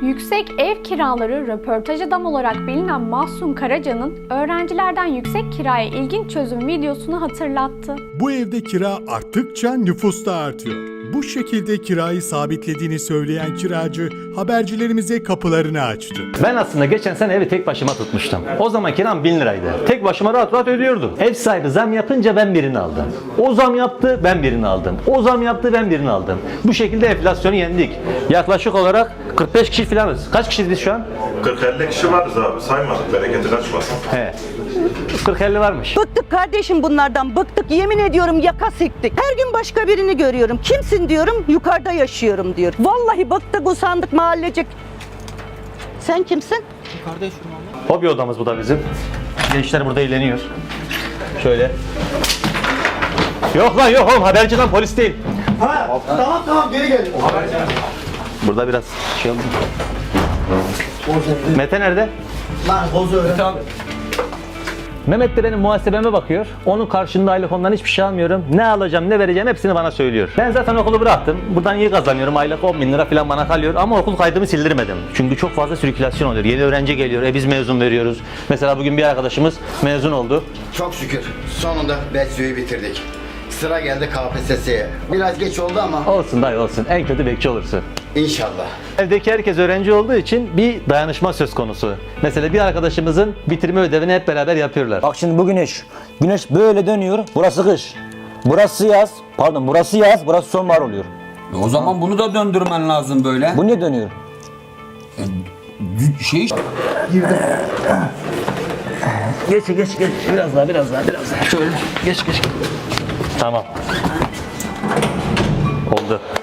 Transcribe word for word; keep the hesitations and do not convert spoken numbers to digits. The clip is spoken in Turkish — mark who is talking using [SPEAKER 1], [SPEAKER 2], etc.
[SPEAKER 1] Yüksek ev kiraları röportaj adam olarak bilinen Mahsun Karaca'nın öğrencilerden yüksek kiraya ilginç çözüm videosunu hatırlattı.
[SPEAKER 2] Bu evde kira arttıkça nüfus da artıyor. Bu şekilde kirayı sabitlediğini söyleyen kiracı habercilerimize kapılarını açtı.
[SPEAKER 3] Ben aslında geçen sene evi tek başıma tutmuştum. O zaman kiram bin liraydı. Tek başıma rahat rahat ödüyordum. Ev sahibi zam yapınca ben birini aldım. O zam yaptı, ben birini aldım. O zam yaptı, ben birini aldım. Bu şekilde enflasyonu yendik. Yaklaşık olarak kırk beş kişi falanız. Kaç kişiyiz biz şu an?
[SPEAKER 4] kırk elli kişi varız abi. Saymadık, bereketi kaçmasın.
[SPEAKER 3] He. kırk elli varmış.
[SPEAKER 5] Bıktık kardeşim bunlardan, bıktık. Yemin ediyorum yaka siktik. Her gün başka birini görüyorum. Kimsin diyorum, yukarıda yaşıyorum diyor. Vallahi bıktık, usandık mahallecik. Sen kimsin?
[SPEAKER 6] Yukarıda yaşıyorum abla.
[SPEAKER 3] Hobi odamız bu da bizim. Gençler burada eğleniyor. Şöyle. Yok lan yok oğlum, haberci lan, polis değil.
[SPEAKER 6] Ha, tamam tamam geri gel.
[SPEAKER 3] Burada biraz şey oldu. Mete nerede?
[SPEAKER 6] Lan bozu öyle. Tamam.
[SPEAKER 3] Mehmet de benim muhasebeme bakıyor. Onun karşında aylık ondan hiçbir şey almıyorum. Ne alacağım, ne vereceğim hepsini bana söylüyor. Ben zaten okulu bıraktım. Buradan iyi kazanıyorum. Aylık on bin lira falan bana kalıyor. Ama okul kaydımı sildirmedim. Çünkü çok fazla sirkülasyon oluyor. Yeni öğrenci geliyor. E biz mezun veriyoruz. Mesela bugün bir arkadaşımız mezun oldu.
[SPEAKER 7] Çok şükür sonunda BESYO'yu bitirdik. Sıra geldi K P S S'ye. Biraz geç oldu ama
[SPEAKER 3] Olsun dayı olsun. En kötü bekçi olursun.
[SPEAKER 7] inşallah.
[SPEAKER 3] Evdeki herkes öğrenci olduğu için bir dayanışma söz konusu. Mesela bir arkadaşımızın bitirme ödevini hep beraber yapıyorlar.
[SPEAKER 8] Bak şimdi bu güneş. Güneş böyle dönüyor. Burası kış. Burası yaz. Pardon burası yaz. Burası sonbahar oluyor.
[SPEAKER 9] E o zaman bunu da döndürmen lazım böyle.
[SPEAKER 8] Bu niye dönüyor?
[SPEAKER 9] Şey
[SPEAKER 8] Geç geç geç. Biraz daha biraz daha biraz daha. Şöyle geç geç.
[SPEAKER 3] Tamam. Oldu.